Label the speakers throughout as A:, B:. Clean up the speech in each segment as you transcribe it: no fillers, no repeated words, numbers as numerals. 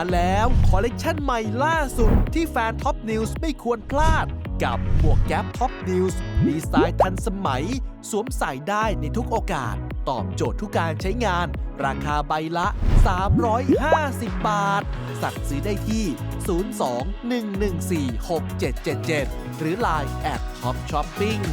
A: แล้วคอลเลกชันใหม่ล่าสุดที่แฟนท็อปนิวส์ไม่ควรพลาดกับหมวกแก๊ปท็อปนิวส์ดีไซน์ทันสมัยสวมใส่ได้ในทุกโอกาสตอบโจทย์ทุกการใช้งานราคาใบละ 350 บาทสั่งซื้อได้ที่ 02-114-6777 หรือ Line @topshopping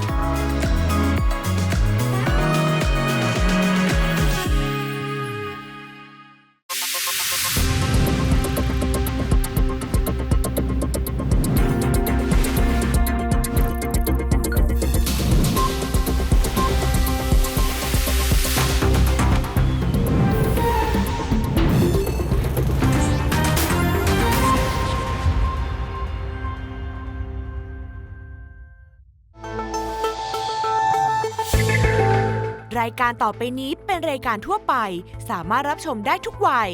B: รายการต่อไปนี้เป็นรายการทั่วไปสามารถรับชมได้ทุกวัย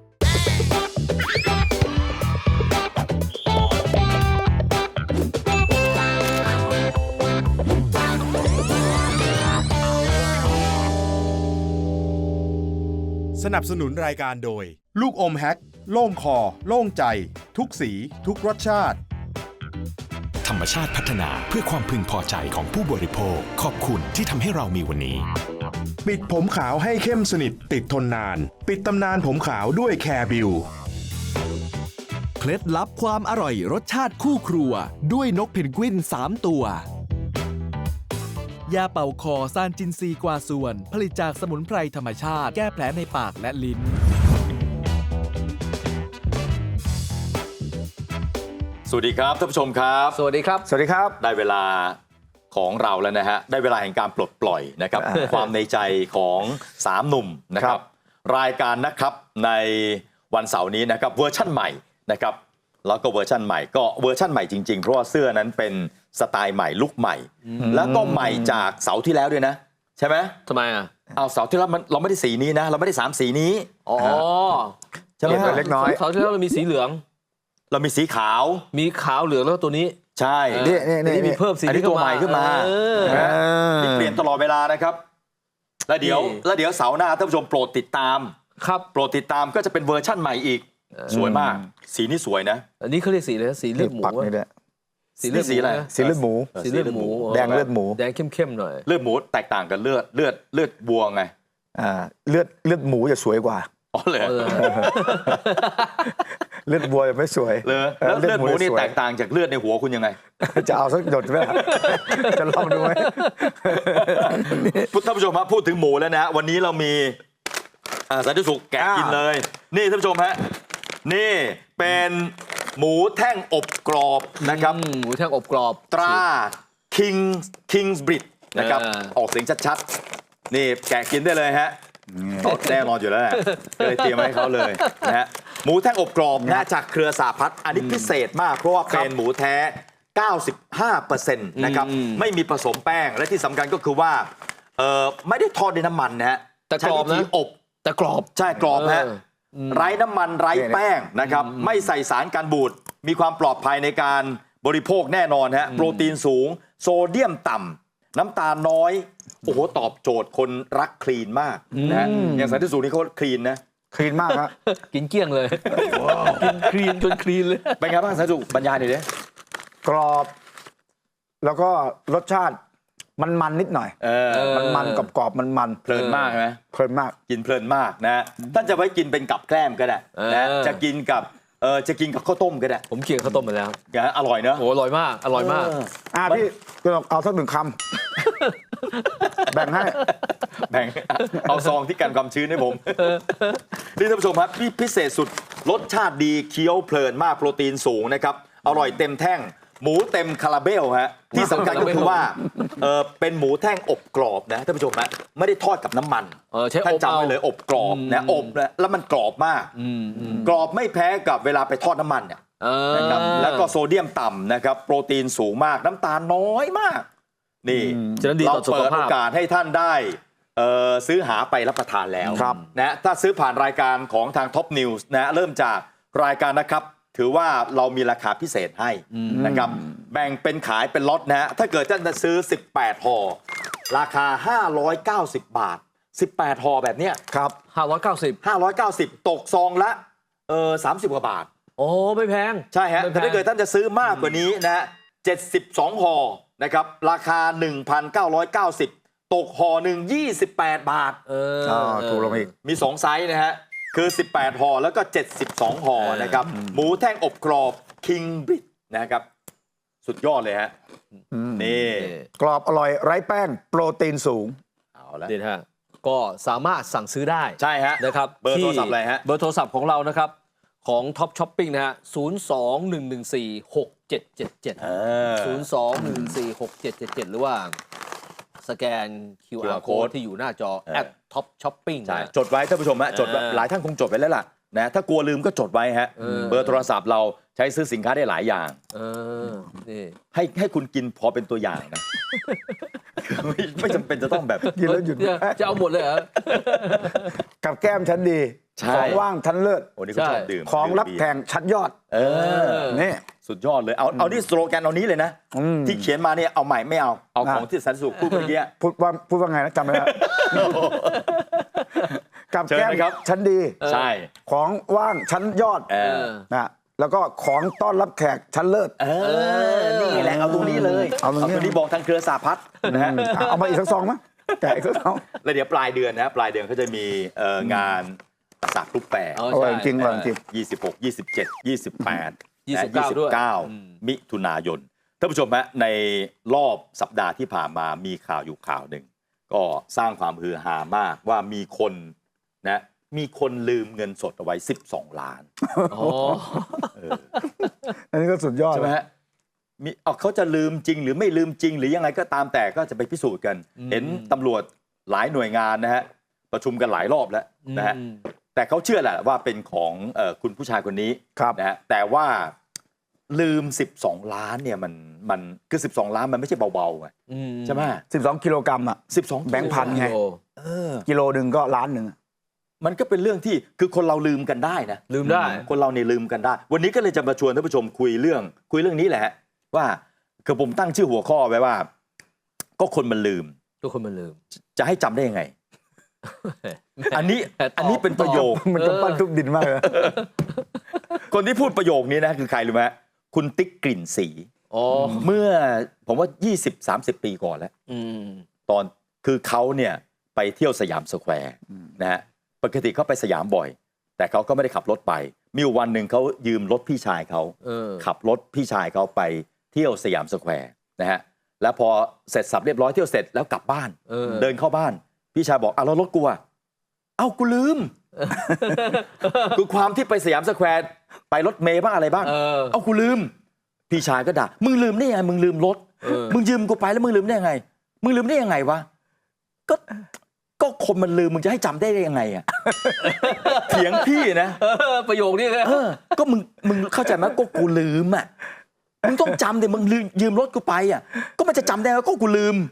C: สนับสนุนรายการโดยลูกอมแฮกโล่งคอโล่งใจทุกสีทุกรสชาติ
D: ธรรมชาติพัฒนาเพื่อความพึงพอใจของผู้บริโภคขอบคุณที่ทำให้เรามีวันนี้
C: ปิดผมขาวให้เข้มสนิทติดทนนานปิดตำนานผมขาวด้วยแคร์บิว
A: เคล็ดลับความอร่อยรสชาติคู่ครัวด้วยนกเพนกวิน3 ตัวยาเป่าคอซานจินซีกว่าส่วนผลิตจากสมุนไพรธรรมชาติแก้แผลในปากและลิ้น
E: สวัสดีครับท่านผู้ชมครับ
F: สวัสดีครับ
G: สวัสดีครับ
E: ได้เวลาของเราแล้วนะฮะได้เวลาแห่งการปลดปล่อยนะครับความในใจของ3หนุ่มนะครับรายการนะครับในวันเสาร์นี้นะครับเวอร์ชั่นใหม่นะครับแล้วก็เวอร์ชั่นใหม่ก็เวอร์ชั่นใหม่จริงๆเพราะว่าเสื้อนั้นเป็นสไตล์ใหม่ลุคใหม่แล้วก็ใหม่จากเสาร์ที่แล้วด้วยนะใช่ไหม
F: ทำไมอ่ะ
E: เอาเสาร์ที่แล้วเราไม่ได้สีนี้นะเราไม่ได้3 สีนี้
F: อ๋อ
E: ใช่ไหม
G: เล็กน้อย
F: เสาร์ที่แล้วเรามีสีเหลือง
E: เรามีสีขาว
F: มีขาวเหลืองแล้วตัวนี้
E: ใช่
F: นี่มีเพิ่มสี
E: นี้ตัวใหม่ขึ้นมานี่เปลี่ยนตลอดเวลานะครับแล้วเดี๋ยวเสาร์หน้าท่านผู้ชมโปรดติดตาม
F: ครับ
E: โปรดติดตามก็จะเป็นเวอร์ชั่นใหม่อีกสวยมากสีนี้สวยนะ
F: อันนี้เขาเรียกสีอะไรสีเลือดหมู
E: สีเลือดสีอะไร
G: สีเลือดหมู
F: สีเลือดหมู
G: แดงเลือดหมู
F: แดงเข้มๆหน่อย
E: เลือดหมูแตกต่างกันเลือดวัวไง
G: เลือดหมูจะสวยกว่า
E: อ๋อเลย
G: เลือดวัวจะไม่สวย
E: เลยแล้วเลือดหมูนี่แตกต่างจากเลือดในหัวคุณยังไง
G: จะเอาสักหยดไหมจะลองดูไหม
E: ท่านผู้ชมครับพูดถึงหมูแล้วนะวันนี้เรามีสันติสุขแกะกินเลยนี่ท่านผู้ชมฮะนี่เป็นหมูแท่งอบกรอบนะครับ
F: หมูแท่งอบกรอบ
E: ตรา Kingsbridge นะครับออกเสียงชัดๆนี่แกะกินได้เลยฮะแน่นอนอยู่แล้วแหละเลยเตรียมให้เขาเลยนะฮะหมูแท่งอบกรอบนะจากเครือสาพัฒน์อันนี้พิเศษมากเพราะว่าเป็นหมูแท้ 95% นะครับไม่มีผสมแป้งและที่สำคัญก็คือว่าไม่ได้ทอดในน้ำมันนะฮะ
F: แต่กรอบนะ
E: อบ
F: แต่กรอบ
E: ใช่กรอบฮะไร้น้ำมันไร้แป้งนะครับไม่ใส่สารกันบูดมีความปลอดภัยในการบริโภคแน่นอนฮะโปรตีนสูงโซเดียมต่ำน้ำตาลน้อยโอ้โหตอบโจทย์คนรักคลีนมากนะอย่างสันติสุขนี่เขาคลีนนะ
G: คลีนมากครับ
F: กินเกลี้ยงเลยกินคลีนจนคลีนเลย
E: เป็นไงบ้างสันติสุขบรรยายหน่อยดิ
G: กรอบแล้วก็รสชาติมันนิดหน่อยมันกรอบมัน
E: เพลินมากใช่ไหม
G: เพลินมาก
E: กินเพลินมากนะท่านจะไว้กินเป็นกับแกล้มก็ได้นะจะกินกับข้าวต้มก็ได้
F: ผมเคี่ยวข้าวต้มมาแล้ว
E: อร่อยเนอะ
F: โอ้อร่อยมาก
G: พี่เอาสัก1 คำแบ่งให้
E: เอาซองที่กันความชื้นให้ผมนี่ท่านผู้ชมครับพิเศษสุดรสชาติดีเคี้ยวเพลินมากโปรตีนสูงนะครับอร่อยเต็มแท่งหมูเต็มคาราเบลฮะที่สำคัญก็คือว่าเป็นหมูแท่งอบกรอบนะท่านผู้ชมฮะไม่ได้ทอดกับน้ำมันท่านจำไว้เลยอบกรอบนะอบแล้วมันกรอบมากกรอบไม่แพ้กับเวลาไปทอดน้ำมันเนี่ยนะครับแล้วก็โซเดียมต่ำนะครับโปรตีนสูงมากน้ำตาลน้อยมากนี่เราเปิดโอกาสให้ท่านได้ซื้อหาไปรับประทานแล้วนะถ้าซื้อผ่านรายการของทาง Top News นะเริ่มจากรายการนะครับถือว่าเรามีราคาพิเศษให้นะครับแบ่งเป็นขายเป็นล็อตนะฮะถ้าเกิดท่านจะซื้อ18ห่อราคา590 บาท18ห่อแบบเนี้ย
F: ครับ590
E: ตกซองละ 30 กว่าบาท
F: โอ้ไม่แพง
E: ใช่ฮะ
F: ไม่แพ
E: แต่
F: ง
E: ถ้าเกิดท่านจะซื้อมากกว่านี้นะฮะ72ห่อนะครับราคา 1,990 ตกห่อหนึ่ง28 บาท
G: ถูกลงอีก
E: มี 2 ไซส์นะฮะ คือ 18ห่อแล้วก็ 72ห่อนะครับ หมูแท่งอบกรอบ King Brit นะครับ สุดยอดเลยฮะ นี่
G: กรอบอร่อยไร้แป้งโปรตีนสูง
E: เอาละ
F: นี่ฮะก็สามารถสั่งซื้อได้
E: ใช่ฮะ
F: นะครับ
E: เบอร์โทรศัพท์อะไรฮะ
F: เบอร์โทรศัพท์ของเรานะครับ ของ Top Shopping นะฮะ 021146777 021146777 หรือว่าสแกน QR code ที่อยู่หน้าจอ @Top Shopping
E: ใช่ จดไว้ท่านผู้ชมฮะ จดไว้หลายท่านคงจดไว้แล้วล่ะนะถ้ากลัวลืมก็จดไว้ฮะ เบอร์โทรศัพท์เราใช้ซื้อสินค้าได้หลายอย่าง
F: นี่
E: ให้คุณกินพอเป็นตัวอย่างนะ ไม่จำเป็นจะต้องแบบ
G: กินแล้วหยุด
F: จะเอาหมดเลยเหรอ
G: กับแก้มชั้นดี
E: ใช่
G: ของว่างชั้นเลิศ
E: โอ้นี่เขาชอบดื่ม
G: ของรับ
E: ดื่ม
G: แข่งชั้นยอด
E: เออ
G: นี่
E: สุดยอดเลย เอานี่สโลแกนเอานี้เลยนะ ที่เขียนมาเนี่ยเอาใหม่ไม่เอา เอาของที่สันติสุขพูดเมื่อกี้
G: พูดว่าไงนะจำไม่ได้ กับแก้ม
E: เชิญนะครับ
G: ชั้นดี
E: ใช่
G: ของว่างชั้นยอด นะแล้วก็ของต้อนรับแขกชั้นเลิศ
E: นี่แหละเอาตรงนี้เลย
G: เอาตรงนี้
E: นี้บอกทางเครือสาพัฒน์นะฮะ
G: เอามาอีกสักซองมั้ยแกะอีกสักซอง
E: แล้วเดี๋ยวปลายเดือนนะปลายเดือนเขาจะมีงานสักรูปแปร
F: อ๋อ
G: อร่อยจริงอร่อยจริง
E: 26 27 28
F: 29ด้วย
E: 29 มิถุนายนท่านผู้ชมฮะในรอบสัปดาห์ที่ผ่านมามีข่าวอยู่ข่าวหนึ่งก็สร้างความฮือฮามากว่ามีคนลืมเงินสดเอาไว้12 ล้าน
F: อ๋อ
G: อันนี้ก็สุดยอด
E: ใช่ไหมฮะเขาจะลืมจริงหรือไม่ลืมจริง หรือยังไงก็ตามแต่ก็จะไปพิสูจน์กัน เห็นตำรวจหลายหน่วยงานนะฮะประชุมกันหลายรอบแล้วนะฮะแต่เขาเชื่อแหละว่าเป็นของคุณผู้ชายคนนี้นะฮะแต่ว่าลืม12 ล้านเนี่ยมันคือ12 ล้านมันไม่ใช่เบาๆไงใช่ไหม
G: 12 กิโลกรัมอ่ะ
E: 12
G: แบงค์พันไง กิโลหนึ่งก็ล้านหนึ่ง
E: มันก็เป็นเรื่องที่คือคนเราลืมกันได้นะ
F: ลืมได้
E: คนเราเนี่ยลืมกันได้ วันนี้ก็เลยจะมาชวนท่านผู้ชมคุยเรื่องนี้แหละฮะว่าคือผมตั้งชื่อหัวข้อไว้ว่า ก็คนมันลืม
F: ทุกคนมันลืม
E: จะให้จำได้ยังไง อันนี้เป็นประโยค
G: มันก็ปั้นทุบดินมากเลย
E: คนที่พูดประโยคนี้นะคือใครรู้ไหมคุณติ๊กกลิ่นสี
F: อ๋อ
E: เมื่อผมว่า 20-30 ปีก่อนแล้วตอนคือเขาเนี่ยไปเที่ยวสยามสแควร์นะฮะปกติเขาไปสยามบ่อย แต่เขาก็ไม่ได้ขับรถไปมีวันหนึ่งเขายืมรถพี่ชายเขาขับรถพี่ชายเขาไปเที่ยวสยามสแควร์นะฮะแล้วพอเสร็จสับเรียบร้อยเที่ยวเสร็จแล้วกลับบ้านเดินเข้าบ้านพี่ชายบอกแล้วรถกูอ่ะเอ้ากูลืม คือความที่ไปสยามสแควร์ไปรถเมย์บ้างอะไรบ้างเอ้ากูลืมพี่ชายก็ด่ามึงลืมได้ยังไงมึงลืมรถมึงยืมกูไปแล้วมึงลืมได้ยังไงมึงลืมได้ยังไงวะก็คนมันลืมมึงจะให้จำได้ยังไงอ่ะ เถียงพี่นะ
F: ประโยคนี้เลย
E: ก็มึงเข้าใจไหมก็กูลืมอ่ะมึงต้องจำดิมึงยืมรถกูไปอ่ะก็มันจะจำได้ว่าก็กูลืม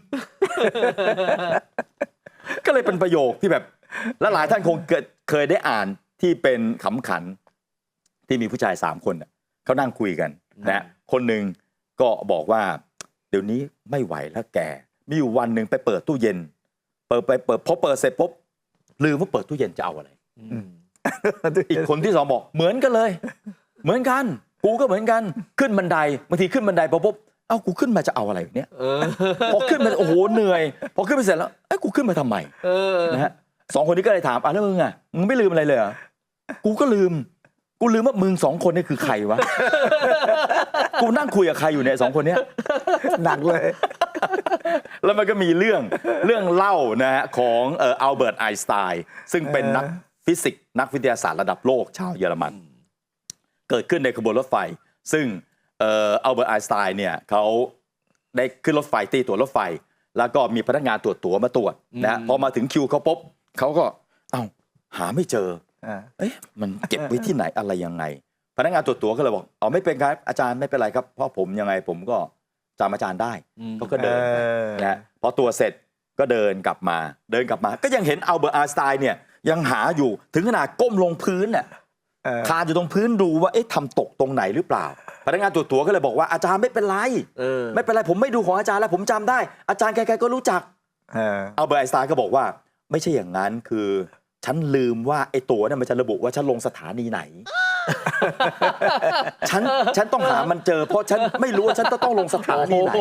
E: ก็เลยเป็นประโยคที่แบบและหลายท่านคงเคยได้อ่านที่เป็นขำขันที่มีผู้ชาย3 คนเขานั่งคุยกันนะคนหนึ่งก็บอกว่าเดี๋ยวนี้ไม่ไหวแล้วแกมีอยู่วันหนึ่งไปเปิดตู้เย็นพอเปิดเสร็จปุ๊บลืมว่าเปิดตู้เย็นจะเอาอะไรอีกคนที่2บอกเหมือนกันเลยเหมือนกันกูก็เหมือนกันขึ้นบันไดบางทีขึ้นบันไดปุ๊บเอ้ากูขึ้นมาจะเอาอะไรเนี่ยพอขึ้นมาโอ้โหเหนื่อยพอขึ้นไปเสร็จแล้วไอ้กูขึ้นมาทำไมนะฮะ2 คนนี้ก็เลยถามแล้วมึงอ่ะมึงไม่ลืมอะไรเลยเหรอกูก็ลืมว่ามึง2 คนนี่คือใครวะกูนั่งคุยกับใครอยู่เนี่ย2 คนเนี้ย
G: หนักเลย
E: แล้วมันก็มีเรื่องเล่านะฮะของอัลเบิร์ตไอน์สไตน์ซึ่งเป็นนักฟิสิกส์นักวิทยาศาสตร์ระดับโลกชาวเยอรมันเกิดขึ้นในขบวนรถไฟซึ่งอัลเบิร์ตไอน์สไตน์เนี่ยเขาได้ขึ้นรถไฟตีตั๋วรถไฟแล้วก็มีพนักงานตรวจตั๋วมาตรวจนะพอมาถึงคิวเขาปุ๊บเขาก็หาไม่เจอเอ๊ะมันเก็บไว้ที่ไหนอะไรยังไงพนักงานตรวจตั๋วก็เลยบอกไม่เป็นครับอาจารย์ไม่เป็นไรครับเพราะผมยังไงผมก็จำอาจารย์ได้เขาก็เดินนะพอตัวเสร็จก็เดินกลับมาก็ยังเห็นอัลเบิร์ตไอน์สไตน์เนี่ยยังหาอยู่ถึงขนาดก้มลงพื้นน่ะคานอยู่ตรงพื้นดูว่าเอ๊ะทำตกตรงไหนหรือเปล่าพนักงานตรวจตั๋วก็เลยบอกว่าอาจารย์ไม่เป็นไรไม่เป็นไรผมไม่ดูของอาจารย์แล้วผมจำได้อาจารย์ใครๆก็รู้จักอัลเบิร์ตไอน์สไตน์ก็บอกว่าไม่ใช่อย่างนั้นคือฉันลืมว่าไอ้ตั๋วเนี่ยมันจะระบุว่าฉันลงสถานีไหนฉันต้องหามันเจอ เพราะฉันไม่รู้ว่าฉันต้องลงสถานีไหน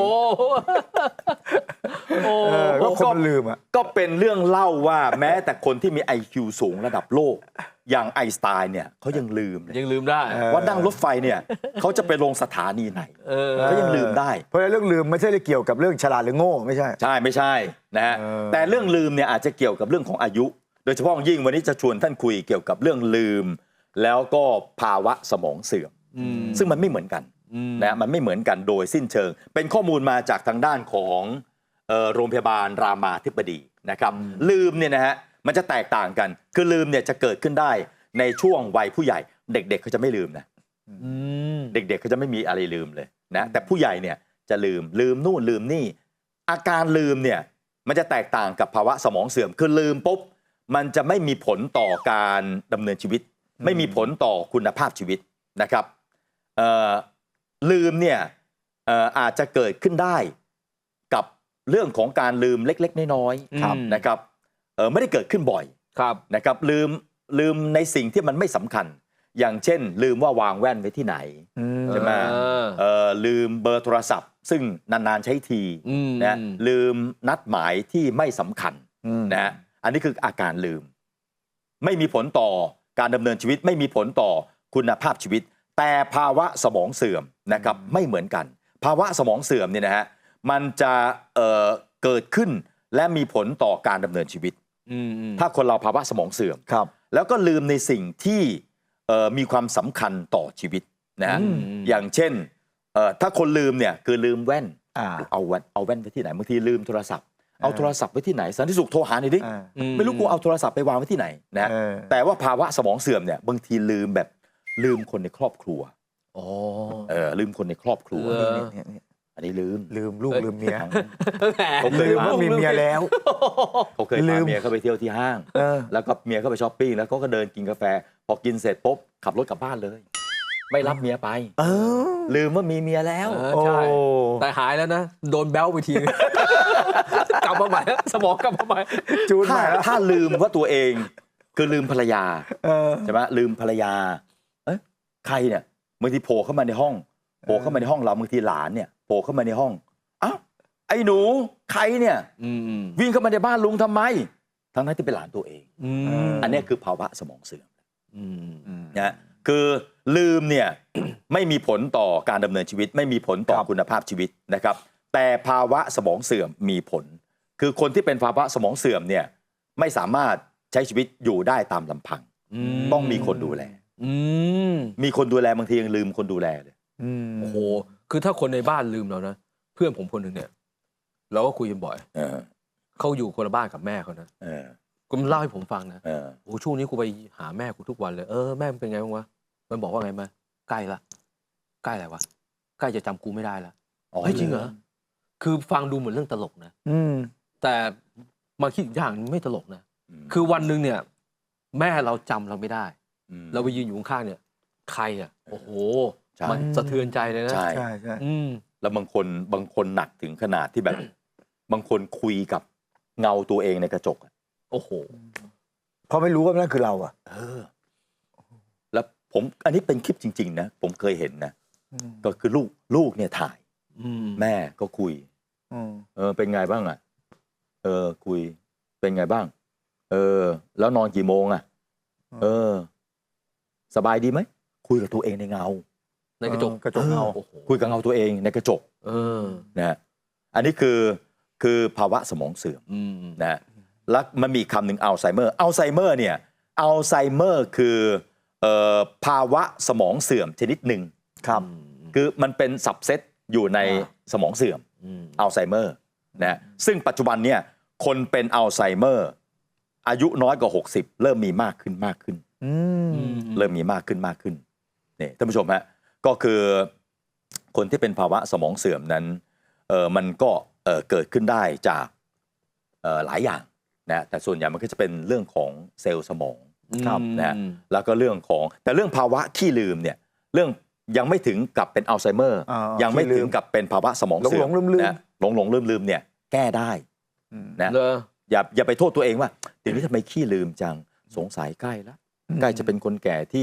G: ก็คนมันลืมอ่ะ
E: ก็เป็นเรื่องเล่าว่าแม้แต่คนที่มี IQ สูงระดับโลก อย่างไอน์สไตน์เนี่ยเขายังลืมเลย
F: ยังลืมได้
E: ว่านั่งรถไฟเนี่ยเขาจะไปลงสถานีไหนเขายังลืมได้
G: เพราะเรื่องลืมไม่ใช่เกี่ยวกับเรื่องฉลาดหรือโง่ไม่ใช่
E: ใช่ไม่ใช่นะฮะแต่เรื่องลืมเนี่ยอาจจะเกี่ยวกับเรื่องของอายุ โดยเฉพาะยิ่งวันนี้จะชวนท่านคุยเกี่ยวกับเรื่องลืม แล้วก็ภาวะสมองเสื่อมซึ่งมันไม่เหมือนกันนะมันไม่เหมือนกันโดยสิ้นเชิง เป็นข้อมูลมาจากทางด้านของโรงพยาบาลรามาธิบดีนะครับลืมเนี่ยนะฮะมันจะแตกต่างกันคือลืมเนี่ยจะเกิดขึ้นได้ในช่วงวัยผู้ใหญ่เด็กๆเขาจะไม่ลืมนะเด็กๆเขาจะไม่มีอะไรลืมเลยนะแต่ผู้ใหญ่เนี่ยจะลืมนู่นลืมนี่อาการลืมเนี่ยมันจะแตกต่างกับภาวะสมองเสื่อมคือลืมปุ๊บมันจะไม่มีผลต่อการดำเนินชีวิตไม่มีผลต่อคุณภาพชีวิตนะครับลืมเนี่ยอาจจะเกิดขึ้นได้กับเรื่องของการลืมเล็กๆน้อยๆนะครับไม่ได้เกิดขึ้นบ่อยนะครับลืมในสิ่งที่มันไม่สำคัญอย่างเช่นลืมว่าวางแว่นไว้ที่ไหนใช่ไหมลืมเบอร์โทรศัพท์ซึ่งนานๆใช้ทีนะลืมนัดหมายที่ไม่สำคัญนะอันนี้คืออาการลืมไม่มีผลต่อการดำเนินชีวิตไม่มีผลต่อคุณภาพชีวิตแต่ภาวะสมองเสื่อมนะครับไม่เหมือนกันภาวะสมองเสื่อมเนี่ยนะฮะมันจะเกิดขึ้นและมีผลต่อการดำเนินชีวิตถ้าคนเราภาวะสมองเสื่อมแล้วก็ลืมในสิ่งที่มีความสำคัญต่อชีวิตนะอย่างเช่นถ้าคนลืมเนี่ยคือลืมแว่นเอาแว่นไว้ที่ไหนบางทีลืมโทรศัพท์เอาโทรศัพท์ไว้ที่ไหนสันติสุขโทรหาหน่อยดิไม่รู้กูเอาโทรศัพท์ไปวางไว้ที่ไหนนะแต่ว่าภาวะสมองเสื่อมเนี่ยบางทีลืมคนในครอบครัวลืมคนในครอบครัวอันนี้ลืมลูกลืมเมียผมลืมว่ามีเมียแล้วเขาเคยพาเมียเข้าไปเที่ยวที่ห้างแล้วก็เมียเข้าไปช้อปปิ้งแล้วเขาก็เดินกินกาแฟพอกินเสร็จปุ๊บขับรถกลับบ้านเลยไม่รับเมียไปลืมว่ามีเมียแล้ว
F: ใช่แต่หายแล้วนะโดนแบ้วไปทีกลับมาใหม่สมองกลับมาใหม่
E: ถ้าลืมว่าตัวเองคือลืมภรรยาใช่ไหมลืมภรรยาใครเนี่ยบางทีโผล่เข้ามาในห้องเราบางทีหลานเนี่ยโผล่เข้ามาในห้องอ้าวไอ้หนูใครเนี่ยวิ่งเข้ามาในบ้านลุงทำไมทั้งนั้นที่เป็นหลานตัวเองอันนี้คือภาวะสมองเสื่อมนะคือลืมเนี่ย ไม่มีผลต่อการดำเนินชีวิตไม่มีผลต่อคุณภาพชีวิตนะครับแต่ภาวะสมองเสื่อมมีผลคือคนที่เป็นภาวะสมองเสื่อมเนี่ยไม่สามารถใช้ชีวิตอยู่ได้ตามลำพังต้องมีคนดูแลมีคนดูแลบางทียังลืมคนดูแลเลย
F: โอ้โหคือถ้าคนในบ้านลืมเรานะเพื่อนผมคนหนึ่งเนี่ยเราก็คุยกันบ่อยเขาอยู่คนละบ้านกับแม่เขานะก็มันเล่าให้ผมฟังนะโอ้ช่วงนี้กูไปหาแม่กูทุกวันเลยแม่มันเป็นไงบ้างวะมันบอกว่าไงมาใกล้ละใกล้อะไรวะใกล้จะจำกูไม่ได้ละเฮ้ยจริงเหรอคือฟังดูเหมือนเรื่องตลกนะแต่มาคิดอีกอย่างไม่ตลกนะคือวันหนึ่งเนี่ยแม่เราจำเราไม่ได้เราไปยืนอยู่ข้างๆเนี่ยใครอ่ะโอ้โหมันสะเทือนใจเลยนะ
E: ใช่แล้วบางคนหนักถึงขนาดที่แบบ บางคนคุยกับเงาตัวเองในกระจก
F: โอ้โห
G: เพราะไม่รู้ว่านั่นคือเราอ่ะ
E: แล้วผมอันนี้เป็นคลิปจริงๆนะผมเคยเห็นนะก็คือลูกเนี่ยถ่ายแม่ก็คุยเป็นไงบ้างอ่ะคุยเป็นไงบ้างแล้วนอนกี่โมงอ่ะสบายดีไหมคุยกับตัวเองในเงา
F: ในกระจกเงา
E: คุยกับเงาตัวเองในกระจกนะอันนี้คือภาวะสมองเสื่อมนะแล้วมันมีคำหนึ่งอัลไซเมอร์เนี่ยอัลไซเมอร์คือภาวะสมองเสื่อมชนิดหนึ่ง
G: ครับ
E: คือมันเป็นสับเซตอยู่ในสมองเสื่อมอัลไซเมอร์นะซึ่งปัจจุบันเนี่ยคนเป็นอัลไซเมอร์อายุน้อยกว่า60เริ่มมีมากขึ้นเริ่มมีมากขึ้นนี่ท่านผู้ชมฮะก็คือคนที่เป็นภาวะสมองเสื่อมนั้นมันก็เกิดขึ้นได้จากหลายอย่างนะแต่ส่วนใหญ่มันก็จะเป็นเรื่องของเซลล์สมองนะแล้วก็เรื่องของแต่เรื่องภาวะขี้ลืมเนี่ยเรื่องยังไม่ถึงกับเป็นอัลไซเมอร์ยังไม่ถึงกับเป็นภาวะสมองเสื่อมนะหลงลืมเนี่ยแก้ได้นะอย่าไปโทษตัวเองว่าเดี๋ยวนี้ทำไมขี้ลืมจังสงสัยใกล้จะเป็นคนแก่ที่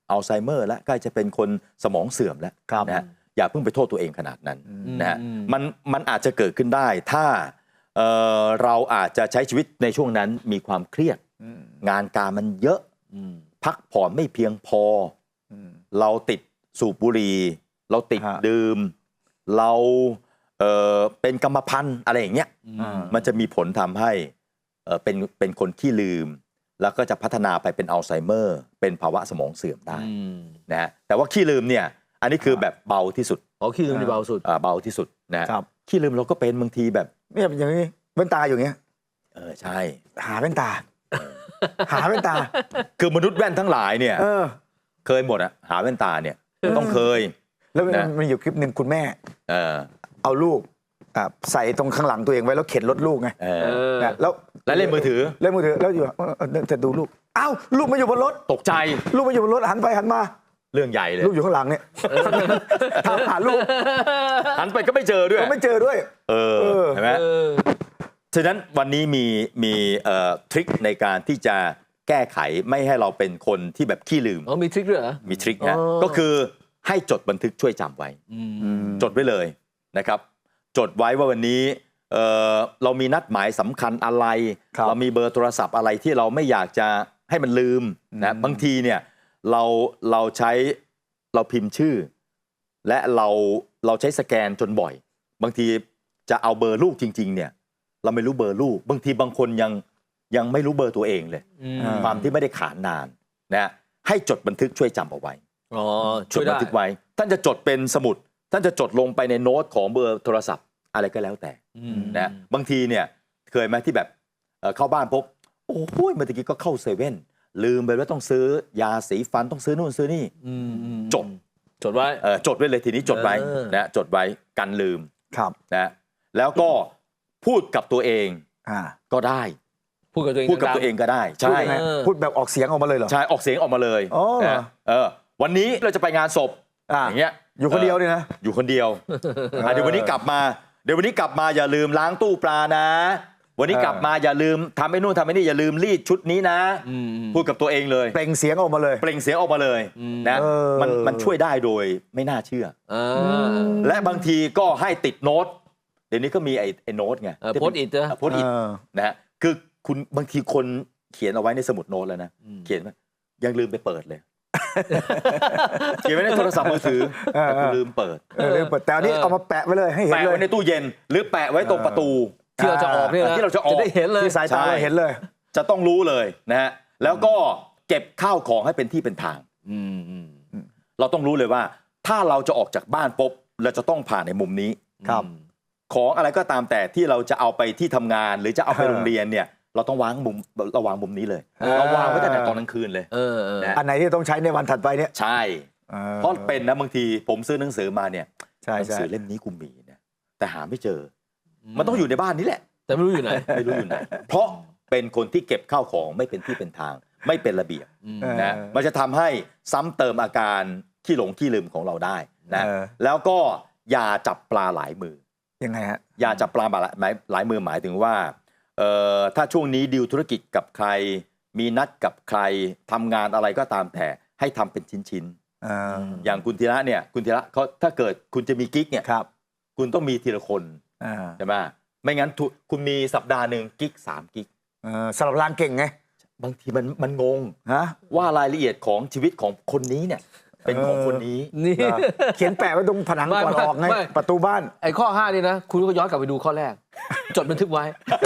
E: อัลไซเมอร์แล้วใกล้จะเป็นคนสมองเสื่อมแล้วนะฮะอย่าเพิ่งไปโทษตัวเองขนาดนั้นนะฮะมันอาจจะเกิดขึ้นได้ถ้าเราอาจจะใช้ชีวิตในช่วงนั้นมีความเครียดงานการมันเยอะพักผ่อนไม่เพียงพอเราติดสูบบุหรี่เราติดดื่มเราเป็นกรรมพันธุ์อะไรอย่างเงี้ยมันจะมีผลทำให้เป็นคนขี้ลืมแล้วก็จะพัฒนาไปเป็นอัลไซเมอร์เป็นภาวะสมองเสื่อมได้นะฮะแต่ว่าขี้ลืมเนี่ยอันนี้คือแบบเบาที่สุด
F: ขี้ลืมนี่เบาสุด
E: เบาที่สุดนะขี้ลืมเราก็เป็นบางทีแบบ
G: เนี่ยอย่างนี้แว่นตาอย่างเงี้ย
E: ใช่
G: หาแว่นตาหาแว่นตา
E: คือมนุษย์แว่นทั้งหลายเนี่ยเคยหมดอะหาแว่นตาเนี่ยต้องเคย
G: แล้วมันอยู่คลิปหนึ่งคุณแม่เอาลูกใส่ตรงข้างหลังตัวเองไว้แล้วเข็นรถลูกไง
E: แล้วเล่นมือถือ
G: แล้วอยู่จะดูลูกอ้าวลูกมาอยู่บนรถ
E: ตกใจ
G: ลูกมาอยู่บนรถหันไปหันมา
E: เรื่องใหญ่เลย
G: ลูกอยู่ข้างหลังเนี่ยถามหาลูก
E: หันไปก็ไม่เจอด้วย
G: ไม่เจอด้วย
E: เห็นไหมฉะนั้นวันนี้มีทริคในการที่จะแก้ไขไม่ให้เราเป็นคนที่แบบขี้ลืม
F: มีทริคด้วยเหรอ
E: มีทริคนะก็คือให้จดบันทึกช่วยจำไว้จดไว้เลยนะครับจดไว้ว่าวันนี้เรามีนัดหมายสำคัญอะไรเรามีเบอร์โทรศัพท์อะไรที่เราไม่อยากจะให้มันลืมนะบางทีเนี่ยเราพิมพ์ชื่อและเราใช้สแกนจนบ่อยบางทีจะเอาเบอร์ลูกจริงๆเนี่ยเราไม่รู้เบอร์ลูกบางทีบางคนยังไม่รู้เบอร์ตัวเองเลยความที่ไม่ได้ขานนานนะให้จดบันทึกช่วยจำเอาไว้จดบันทึกไว้ท่านจะจดเป็นสมุดท่านจะจดลงไปในโน้ตของเบอร์โทรศัพท์อะไรก็แล้วแต่นะบางทีเนี่ยเคยไหมที่แบบเข้าบ้านพบโอ้โหเมื่อกี้ก็เข้าเซเว่นลืมไปว่าต้องซื้อยาสีฟันต้องซื้อนู่นซื้อนี่จดไว้จดไว้เลยทีนี้จดไว้นะจดไว้กันลืมนะแล้วก็พูดกับตัวเองก็ได้
F: พูดกับตัวเอง
E: ก็ได้ใช่
G: พูดแบบออกเสียงออกมาเลยเหรอ
E: ใช่ออกเสียงออกมาเลยวันนี้เราจะไปงานศพอย่างเงี้ย
G: อยู่คนเดียวเลยนะ
E: อยู่คนเดียวเดี๋ยววันนี้กลับมาอย่าลืมล้างตู้ปลานะวันนี้กลับมาอย่าลืมทำไอ้นู่นทำไอ้นี่อย่าลืมรีดชุดนี้นะพูดกับตัวเองเลย
G: เปล่งเสียงออกมาเลย
E: นะมันช่วยได้โดยไม่น่าเชื่อและบางทีก็ให้ติดโน้ตเดี๋ยวนี้ก็มีไอ้โน้ตไง
F: โพสต์อิท
E: นะฮะคือคุณบางทีคนเขียนเอาไว้ในสมุดโน้ตแล้วนะเขียนยังลืมไปเปิดเลยเขียนไว้ในโทรศัพท์มือถือแต่ลืมเปิด
G: แต่อันนี้เอามาแปะไว้เลยให้เห็นเลย
E: แปะไว้ในตู้เย็นหรือแปะไว้ตรงประตู
F: ที่เราจะออกเนี่ย
E: ที่เราจะออก
F: จะได้เห็นเลย
G: ที่สายตาเราเห็นเลย
E: จะต้องรู้เลยนะฮะแล้วก็เก็บข้าวของให้เป็นที่เป็นทางเราต้องรู้เลยว่าถ้าเราจะออกจากบ้านปุ๊บเราจะต้องผ่านในมุมนี้ของอะไรก็ตามแต่ที่เราจะเอาไปที่ทำงานหรือจะเอาไปโรงเรียนเนี่ยเราต้องวางมุมนี้เลยเราวางไว้ตั้งแต่ตอนกลางคืนเลย
G: อันไหนที่ต้องใช้ในวันถัดไปเนี่ย
E: ใช่เพราะเป็นนะบางทีผมซื้อหนังสือมาเนี่ยหนังสือเล่มนี้กูมีเนี่ยแต่หาไม่เจอมันต้องอยู่ในบ้านนี้แหละ
F: แต่ไม่รู้อยู่ไหน
E: เพราะเป็นคนที่เก็บข้าวของไม่เป็นที่เป็นทางไม่เป็นระเบียบนะมันจะทำให้ซ้ำเติมอาการขี้หลงขี้ลืมของเราได้นะแล้วก็อย่าจับปลาหลายมือ
G: ยังไงฮะ
E: อย่าจับปลาหลายมือหมายถึงว่าถ้าช่วงนี้ดีลธุรกิจกับใครมีนัดกับใครทำงานอะไรก็ตามแต่ให้ทำเป็นชิ้นๆอย่างคุณธีระเนี่ยคุณธีระเขาถ้าเกิดคุณจะมีกิ๊กเนี่ยคุณต้องมีทีละคนใช่ไหมไม่งั้นคุณมีสัปดาห์หนึ่งกิ๊ก3กิ๊ก
G: สลับรางเก่งไง
E: บางทีมันงงว่ารายละเอียดของชีวิตของคนนี้เนี่ยเป็นของคนนี้
F: นี่
G: เขียนแปะไว้ตรงผนังก่อนออกไงประตูบ้าน
F: ไอ้ข้อ5นี่นะคุณก็ย้อนกลับไปดูข้อแรกจดบันทึกไว้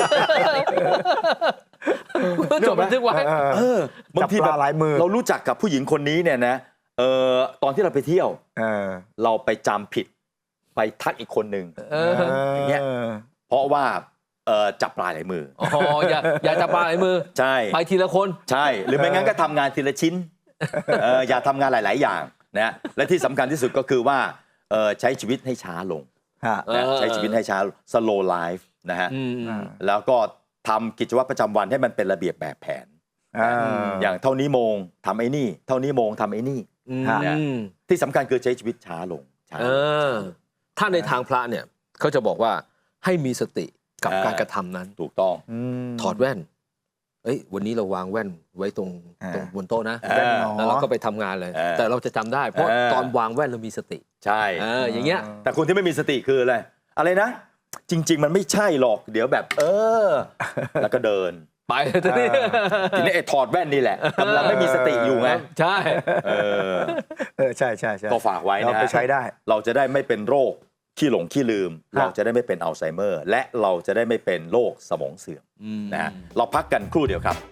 F: จดบันทึกไว้
E: บางทีแบบเรารู้จักกับผู้หญิงคนนี้เนี่ยนะตอนที่เราไปเที่ยวเราไปจำผิดไปทักอีกคนหนึ่งอย่างเงี้ยเพราะว่าจับปลาหลายมือ
F: อย่าจับปลาหลายมือ
E: ใช่
F: ไปทีละคน
E: ใช่หรือไม่งั้นก็ทำงานทีละชิ้นอย่าทำงานหลายๆอย่างนะและที่สำคัญที่สุดก็คือว่าใช้ชีวิตให้ช้าลงใช้ชีวิตให้ช้า slow life นะฮะแล้วก็ทำกิจวัตรประจำวันให้มันเป็นระเบียบแบบแผนอย่างเท่านี้โมงทำไอ้นี่เท่านี้โมงทำไอ้นี่ที่สำคัญคือใช้ชีวิตช้าลง
F: ถ้าในทางพระเนี่ยเขาจะบอกว่าให้มีสติกับการกระทำนั้น
E: ถูกต้อง
F: ถอดแว่นเอ้ยวันนี้เราวางแว่นไว้ตรงบนโต๊ะนะ
G: แว่นหนอ
F: แล้วเราก็ไปทำงานเลย แต่เราจะจำได้เพราะตอนวางแว่นเรามีสติ
E: ใช่
F: อย่างเงี้ย
E: แต่คนที่ไม่มีสติคืออะไรนะ จริง ๆ มันไม่ใช่หรอกเดี๋ยวแบบแล้วก็เดิน
F: ไปทีนี้
E: ทีนี้ไอ้ถอดแว่นนี่แหละกำลังไม่มีสติอยู่ไง
F: ใช่
G: ใช่ใช่
E: ก็ฝากไว้นะ
G: เราไปใช้ได้
E: เราจะได้ไม่เป็นโรคขี้หลงขี้ลืม เราจะได้ไม่เป็นอัลไซเมอร์ และเราจะได้ไม่เป็นโรคสมองเสื่อมนะฮะเราพักกันครู่เดียวครับ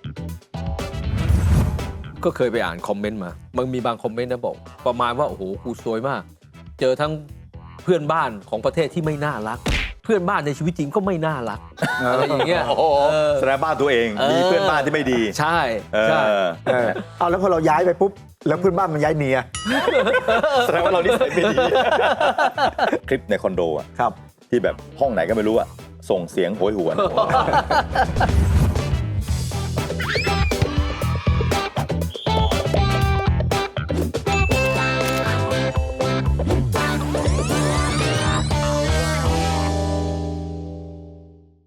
F: ก็เคยไปอ่านคอมเมนต์มามันมีบางคอมเมนต์นะบอกประมาณว่าโอ้โหกูซวยมาก เจอทั้งเพื่อนบ้านของประเทศที่ไม่น่ารัก เพื่อนบ้านในชีวิตจริงก็ไม่น่ารักอะไรอย่างเงี้ย
E: แสดงบ้านตัวเองมีเพื่อนบ้านที่ไม่ดี
F: ใช่ใช่
G: เอาแล้วพอเราย้ายไปปุ๊บแล้วเพื่อนบ้านมันย้ายเมีย
E: แสดงว่าเรานิสัยไม่ดี คลิปในคอนโดอะ
G: ครับ
E: ที่แบบห้องไหนก็ไม่รู้อะส่งเสียงโหยหวน